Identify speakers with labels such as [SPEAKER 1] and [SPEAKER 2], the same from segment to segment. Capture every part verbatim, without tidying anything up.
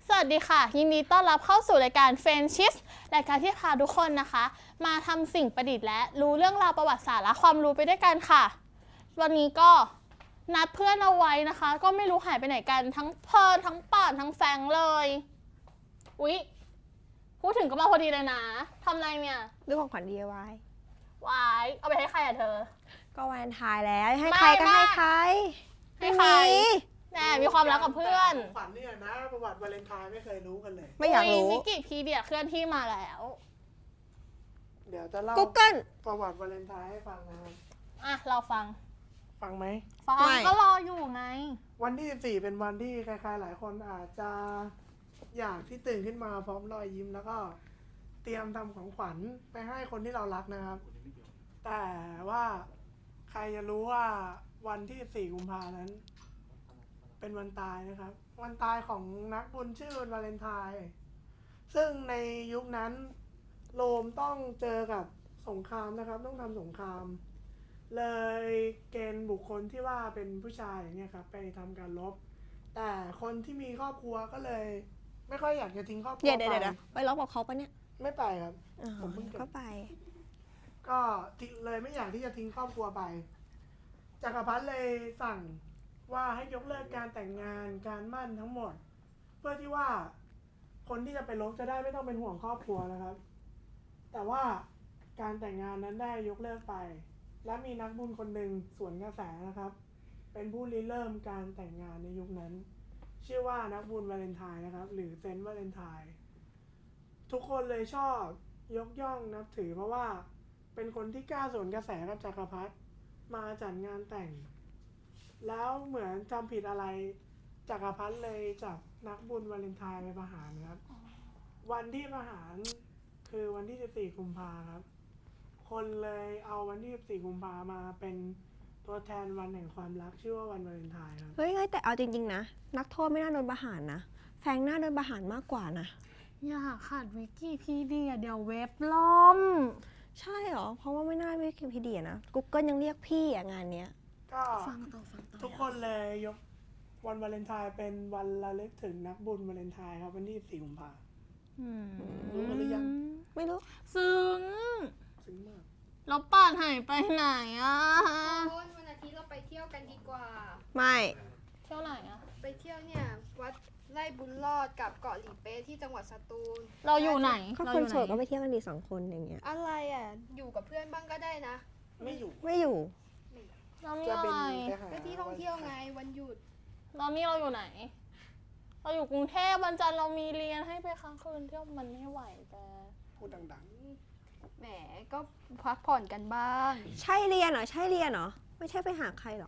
[SPEAKER 1] สวัสดีค่ะยินดีต้อนรับเข้าสู่รายการเฟรนชิสรายการที่พาทุกคนนะคะมาทำสิ่งประดิษฐ์และรู้เรื่องราวประวัติศาสตร์และความรู้ไปด้วยกันค่ะวันนี้ก็นัดเพื่อนเอาไว้นะคะก็ไม่รู้หายไปไหนกันทั้งเพิร์นทั้งป่านทั้งแฟงเลยอุ๊ยพูดถึงก็มาพอดีเลยนะทำอะไรเนี่ย
[SPEAKER 2] ดูของขวัญ ดี ไอ วาย
[SPEAKER 1] วายเอาไปให้ใครอะเธอ
[SPEAKER 2] ก็วาเลนไทน์แล้วให้ใครก็ให้ใคร
[SPEAKER 1] ให้ใครแน่มีความรักกับเพื่อน
[SPEAKER 3] ขวัญเนี่ยนะประวัติวาเลนไทน์ไม่เคยรู้กันเลย
[SPEAKER 2] ไม่อยากรู้
[SPEAKER 1] วิกิพีเดียเคลื่อนที่มาแล้ว
[SPEAKER 3] เดี๋ยวจะเล่า
[SPEAKER 2] Google
[SPEAKER 3] ประวัติวาเลนไทน์ให้ฟังนะครับ
[SPEAKER 1] อ่ะเราฟัง
[SPEAKER 3] ฟังไหม
[SPEAKER 1] ฟังก็รออยู่ไง
[SPEAKER 3] วันที่สิบสี่เป็นวันที่ใครๆหลายคนอาจจะอยากที่ตื่นขึ้นมาพร้อมรอยยิ้มแล้วก็เตรียมทำของขวัญไปให้คนที่เรารักนะครับแต่ว่าใครจะรู้ว่าวันที่สิบสี่กุมภาพันธ์นั้นเป็นวันตายนะครับวันตายของนักบุญชื่อวันวาเลนไทน์ซึ่งในยุคนั้นโรมต้องเจอกับสงครามนะครับต้องทำสงครามเลยเกณฑ์บุคคลที่ว่าเป็นผู้ชายอย่างเงี้ยครับไปทำการรบแต่คนที่มีครอบครัวก็เลยไม่ค่อยอยากจะทิ้งครอบครัวไป
[SPEAKER 2] เดี๋ยวเดี๋ยวไปรบกับเขาปะเนี่ย
[SPEAKER 3] ไม่ไปครับ
[SPEAKER 2] ผมเพิ่งก็ไป
[SPEAKER 3] ก็เลยไม่อยากที่จะทิ้งครอบครัวไปจักรพรรดิเลยสั่งว่าให้ยกเลิกการแต่งงานการมั่นทั้งหมดเพื่อที่ว่าคนที่จะไปรบจะได้ไม่ต้องเป็นห่วงครอบครัวนะครับแต่ว่าการแต่งงานนั้นได้ยกเลิกไปและมีนักบุญคนหนึ่งสวนกระแสนะครับเป็นผู้ริเริ่มการแต่งงานในยุคนั้นชื่อว่านักบุญวาเลนไทน์นะครับหรือเซนต์วาเลนไทน์ทุกคนเลยชอบยกย่องนับถือเพราะว่าเป็นคนที่กล้าสวนกระแสกับจักรพรรดิมาจัดงานแต่งแล้วเหมือนจำผิดอะไรจักรพรรดิเลยจับนักบุญวาเลนไทน์ไปประหารครับวันที่ประหารคือวันที่สิบสี่กุมภาพันธ์ครับคนเลยเอาวันที่สิบสี่กุมภาพันธ์มาเป็นตัวแทนวันแห่งความรักชื่อว่าวันวาเลนไทน์ครับ
[SPEAKER 2] เฮ้ยแต่เอาจริงๆนะนักโทษไม่น่าโดนประหารนะแฟงน่าโดนประหารมากกว่านะ
[SPEAKER 1] อย่าขาดวิกิพีเดียเดี๋ยวเว็บล่ม
[SPEAKER 2] ใช่หรอเพราะว่าไม่น่าวิกิพีเดียนะ Google ยังเรียกพี่อะงานเนี้ย
[SPEAKER 3] ก็ทุกคนเลยยกวันวาเลนไทน์เป็นวันระลึกถึงนักบุญวาเลนไทน์ครับวันที่สิบสี่กุมภาพันธ์รู้กันหรือยัง
[SPEAKER 2] ไม่รู้
[SPEAKER 1] ซึ้ง
[SPEAKER 3] ซึ้งมาก
[SPEAKER 1] แล้วป่านหายไปไหนอ่ะ
[SPEAKER 4] วันวันอาทิตย์เราไปเที่ยวกันดีกว่า
[SPEAKER 2] ไม่
[SPEAKER 1] เที่ยวไหนอ่ะ
[SPEAKER 4] ไปเที่ยวเนี่ยวัดไร่บุญรอดกับเกาะหลีเป๊ะที่จังหวัดสตูล
[SPEAKER 1] เราอยู่ไหน
[SPEAKER 2] ก็คนโสดก็ไปเที่ยวกันดีสองคนอย่างเงี้ย
[SPEAKER 4] อะไรอ่ะอยู่กับเพื่อนบ้างก็ได้นะ
[SPEAKER 3] ไม่อยู่
[SPEAKER 2] ไม่อยู่
[SPEAKER 1] เรามีอะไร
[SPEAKER 4] ไปที่ท่องเที่ยวไงวันหยุด
[SPEAKER 1] ตอนนี้เราอยู่ไหนเราอยู่กรุงเทพวันจันทร์เรามีเรียนให้ไปค้างคืนเที่ยวมันไม่ไหวแต่
[SPEAKER 3] พูดดัง
[SPEAKER 4] ๆแหมก็พักผ่อนกันบ้าง
[SPEAKER 2] ใช่เรียนเหรอใช่เรียนเหรอไม่ใช่ไปหาใครหรอ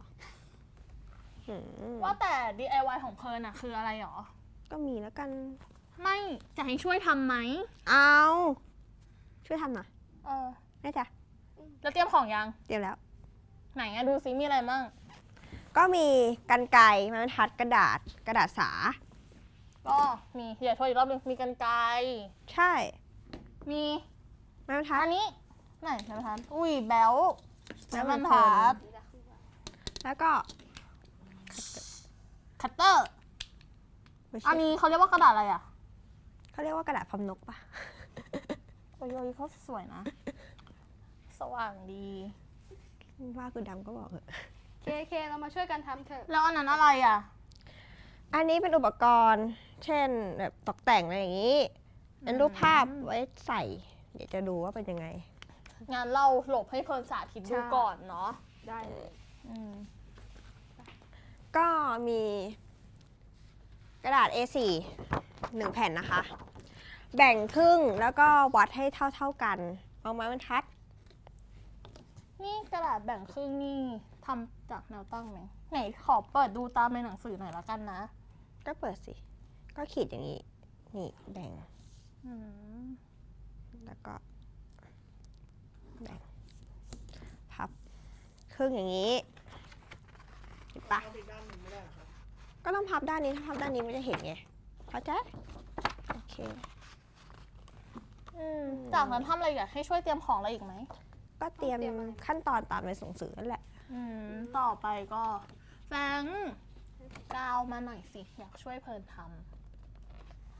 [SPEAKER 1] ว่าแต่ ดี ไอ วาย ของเพลิร์นอะคืออะไรหรอ
[SPEAKER 2] ก็มีแล้วกัน
[SPEAKER 1] ไม่จะให้ช่วยทำไหม
[SPEAKER 2] เอาช่วยทำหน่อย
[SPEAKER 1] เออ
[SPEAKER 2] ได้จ้ะ
[SPEAKER 1] แล้วเตรียมของยัง
[SPEAKER 2] เตรียมแล้ว
[SPEAKER 1] ไหนอะดูซิมีอะไรบ้าง
[SPEAKER 2] ก็มีกรรไกรไม้บรรทัดกระดาษกระดาษสา
[SPEAKER 1] ก็มีเดี๋ยวโทรอีกรอบนึงมีกรรไกร
[SPEAKER 2] ใช่
[SPEAKER 1] มี
[SPEAKER 2] ไม้บรรทัด
[SPEAKER 1] อันนี้ไหนไม้บรรทัดอุ้ยแบลไม้บรรทัด
[SPEAKER 2] แล้วก็
[SPEAKER 1] คัตเตอร์อันนี้เขาเรียกว่ากระดาษอะไรอ่ะ
[SPEAKER 2] เขาเรียกว่ากระดาษพรมนกปะ
[SPEAKER 1] โอ้ยเขาสวยนะสว่างดี
[SPEAKER 2] ว่าคือดำก็บอกเถอะ
[SPEAKER 4] เคเคเรามาช่วยกันทำเถอะ
[SPEAKER 1] แล้วอันนั้นอะไรอ่ะ
[SPEAKER 2] อันนี้เป็นอุปกรณ์เช่นแบบตกแต่งอะไรอย่างนี้เป็นรูปภาพไว้ใส่เดี๋ยวจะดูว่าเป็นยังไง
[SPEAKER 1] งานเราหลบให้เพลินสาธิตดูก่อนเนาะ
[SPEAKER 4] ได้เลย
[SPEAKER 2] ก็มีกระดาษ เอ สี่ หนึ่งแผ่นนะคะแบ่งครึ่งแล้วก็วัดให้เท่าๆกันเอาไม้บรรทัด
[SPEAKER 1] นี่กระดาษแบ่งครึ่งนี่ทำจากแนวตั้งไหมไหนขอเปิดดูตามในหนังสือหน่อยละกันนะ
[SPEAKER 2] ก็เปิดสิก็ขีดอย่างนี้นี่แบ่งแล้วก็แบ่งพับครึ่งอย่างนี้เห็นปะก็ต้องพับด้านนี้ถ้าพับด้านนี้ไม่จะเห็นไงเข้าใจโอเค
[SPEAKER 1] จากนั้นทำอะไรอีกให้ช่วยเตรียมของอะไรอีกไหม
[SPEAKER 2] ก็เตรียมขั้นตอนตามในส่งสื่อนั่นแหละ
[SPEAKER 1] ต่อไปก็แฟงกาวมาหน่อยสิอยากช่วยเพลินท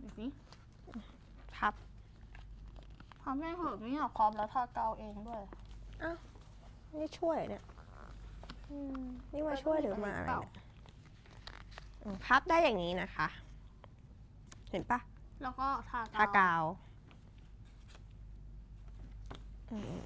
[SPEAKER 1] ดูสิ
[SPEAKER 2] พับ
[SPEAKER 1] ทำให้เหอะไม่อยากพร้อมแล้วทาเกาเองด้วย
[SPEAKER 2] นี่ช่วยเนี่ย
[SPEAKER 1] อืม
[SPEAKER 2] นี่มาช่วยหรือมาอะไรเนี่ยอืมพับได้อย่างนี้นะคะ เห็นปะ
[SPEAKER 1] แล้วก็ทา
[SPEAKER 2] ทากาวอืม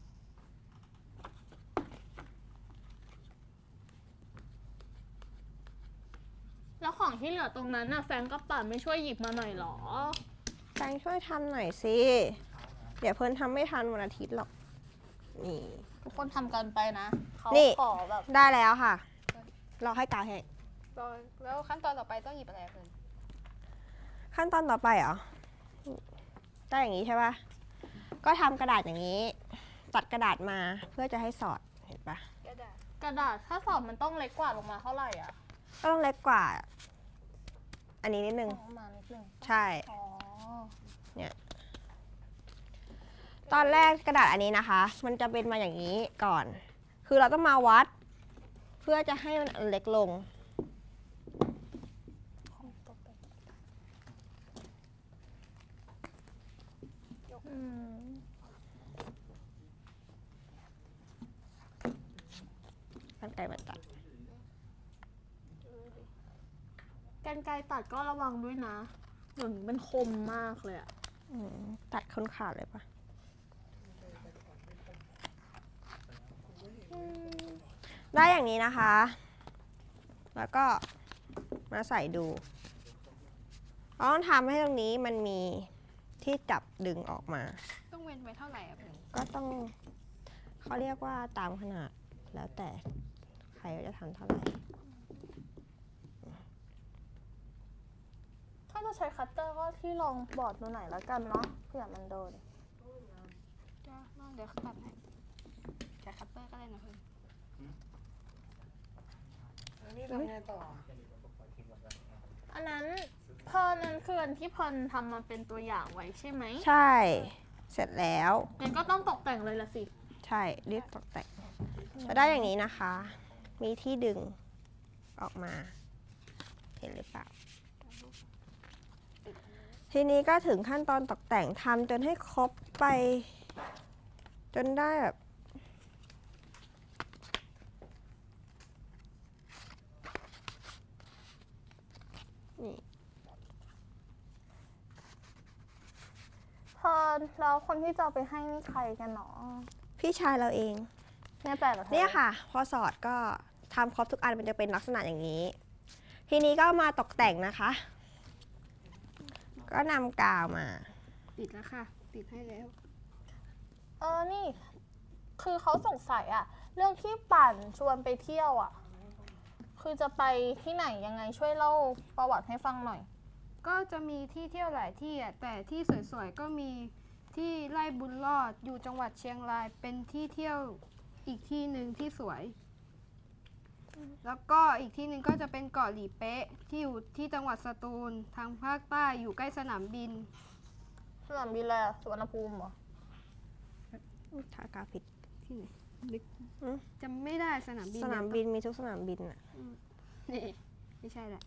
[SPEAKER 1] แล้วของที่เหลือตรงนั้นน่ะแฟนก็ป่าไม่ช่วยหยิบมาหน่อยหรอ
[SPEAKER 2] แฟงช่วยทำหน่อยสิ เดี๋ยวเพิ่นทำไม่ทันวันอาทิตย์หรอก นี่
[SPEAKER 1] ทุกคนทำกันไปนะเขา
[SPEAKER 2] นี่
[SPEAKER 1] ขอแบบ
[SPEAKER 2] ได้แล้วค่ะ เราให้กาวแห้ง
[SPEAKER 4] ตอนแล้วขั้นตอนต่อไปต้องหยิบอะไรอะเพื่อน
[SPEAKER 2] ขั้นตอนต่อไปเหรอ ได้อย่างนี้ใช่ปะก็ทำกระดาษอย่างนี้ ตัดกระดาษมาเพื่อจะให้สอด เห็นปะ
[SPEAKER 4] กระดาษ
[SPEAKER 1] กระดาษถ้าสอบมันต้องเล็กกว่าลงมาเท่าไหร่อ่ะ
[SPEAKER 2] ก็ต้องเล็กกว่า อันนี้นิดนึง
[SPEAKER 1] ประมาณนิดนึง
[SPEAKER 2] ใช่
[SPEAKER 1] อ๋อ
[SPEAKER 2] ตอนแรกกระดาษอันนี้นะคะ มันจะเป็นมาอย่างนี้ก่อน คือเราต้องมาวัด เพื่อจะให้มันเล็กลง
[SPEAKER 1] อืม
[SPEAKER 2] กันไกรมาตัด
[SPEAKER 1] กรรไกรตัดก็ระวังด้วยนะเดี๋ยวนี้มันคมมากเลยอะ
[SPEAKER 2] อืมตัดคนขาดเลยปะอืมได้อย่างนี้นะคะ แล้วก็มาใส่ดูเราต้องทำให้ตรงนี้มันมีที่จับดึงออกมา
[SPEAKER 4] ต้องเว้นไว้เท่าไหร่อะเพื่อน
[SPEAKER 2] ก็ต้องเขาเรียกว่าตามขนาดแล้วแต่ใครจะทำเท่าไหร่
[SPEAKER 1] ถ้าจะใช้คัตเตอร์ก็ที่รองบอร์ดดูหน่อยแล้วกันเนาะเผื่อมันโดน
[SPEAKER 4] จ้าน้องเดี๋ยวตัดให้แค่คัตเตอร์ก็ได้นะเพื่อน
[SPEAKER 3] แล้วนี่ทำไงต่อ
[SPEAKER 1] อันนั้นเพลินนั้นคืออันที่เพลินทำมาเป็นตัวอย่างไว้ใช่ไหม
[SPEAKER 2] ใช่ เสร็จแล้ว
[SPEAKER 1] งั้นก็ต้องตกแต่งเลยละสิ
[SPEAKER 2] ใช่รีบตกแต่งจะได้อย่างนี้นะคะ มีที่ดึงออกมา เห็นหรือเปล่า ทีนี้ก็ถึงขั้นตอนตกแต่งทำจนให้ครบไป จนได้แบบ นี่
[SPEAKER 1] เพลินแล้วคนที่จะเอาไปให้นี่ใครกันเนาะ
[SPEAKER 2] พี่ชายเราเอง
[SPEAKER 1] แน่ใจเหรอธอ
[SPEAKER 2] เนี่ยค่ะ พอสอดก็ทำครบทุกอันมันจะเป็นลักษณะอย่างนี้ ทีนี้ก็มาตกแต่งนะคะ ก็นำกาวมา
[SPEAKER 4] ติดแล้วค่ะ ติดให้แล้ว
[SPEAKER 1] เออนี่ คือเขาสงสัยอะเรื่องที่ปั่นชวนไปเที่ยวอะคือจะไปที่ไหนยังไงช่วยเล่าประวัติให้ฟังหน่อย
[SPEAKER 4] ก็จะมีที่เที่ยวหลายที่อ่ะแต่ที่สวยๆก็มีที่ไร่บุญรอดอยู่จังหวัดเชียงรายเป็นที่เที่ยวอีกที่หนึ่งที่สวย แล้วก็อีกที่หนึ่งก็จะเป็นเกาะหลีเป๊ะที่อยู่ที่จังหวัดสตูลทางภาคใต้อยู่ใกล้สนามบิน
[SPEAKER 1] สนามบินอะไรอะสุวรรณภูมิเหรอ
[SPEAKER 2] ทากาวผิด
[SPEAKER 4] ที่ไหนนึก
[SPEAKER 2] อืม
[SPEAKER 4] จำไม่ได้สนามบิน
[SPEAKER 2] สนามบินมีทุกสนามบินอะ
[SPEAKER 4] นี่ไม่ใช่แหละ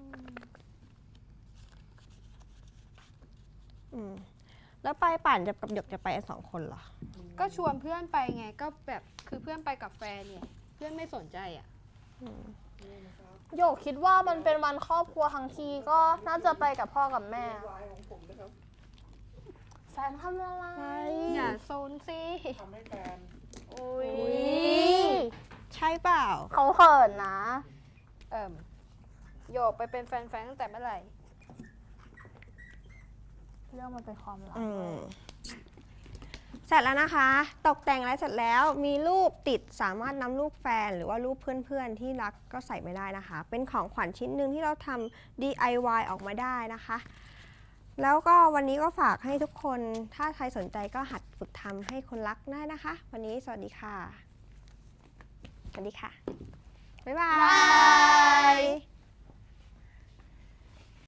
[SPEAKER 2] อืมแล้วไปปั่นจะกับหยกจะไปกันสองคนเหรอ
[SPEAKER 4] ก็ชวนเพื่อนไปไงก็แบบคือเพื่อนไปกับแฟนเนี่ยเพื่อนไม่สนใจอ่ะ
[SPEAKER 2] อืม
[SPEAKER 1] โยกคิดว่ามันเป็นวันครอบครัวทั้งทีก็น่าจะไปกับพ่อกับแม่
[SPEAKER 3] วายของผมนะครับ
[SPEAKER 1] แฟนทำอะไร
[SPEAKER 4] อย่าโซนสิ
[SPEAKER 3] ทำให้แฟน
[SPEAKER 1] อุ้ย
[SPEAKER 2] ใช่เปล่า
[SPEAKER 1] เขาเขินนะ
[SPEAKER 4] เอิ่มโยกไปเป็นแฟนๆตั้งแต่เมื่อไหร่
[SPEAKER 1] เรื่องมันเป็นความลับ
[SPEAKER 2] อืมเสร็จแล้วนะคะ ตกแต่งอะไรเสร็จแล้วมีรูปติดสามารถนำรูปแฟนหรือว่ารูปเพื่อนๆที่รักก็ใส่ไม่ได้นะคะ เป็นของขวัญชิ้นหนึ่งที่เราทำ ดี ไอ วาย ออกมาได้นะคะ แล้วก็วันนี้ก็ฝากให้ทุกคนถ้าใครสนใจก็หัดฝึกทำให้คนรักได้นะคะ วันนี้สวัสดีค่ะ สวัสดีค่ะ บ๊ายบา
[SPEAKER 1] บาย
[SPEAKER 2] ย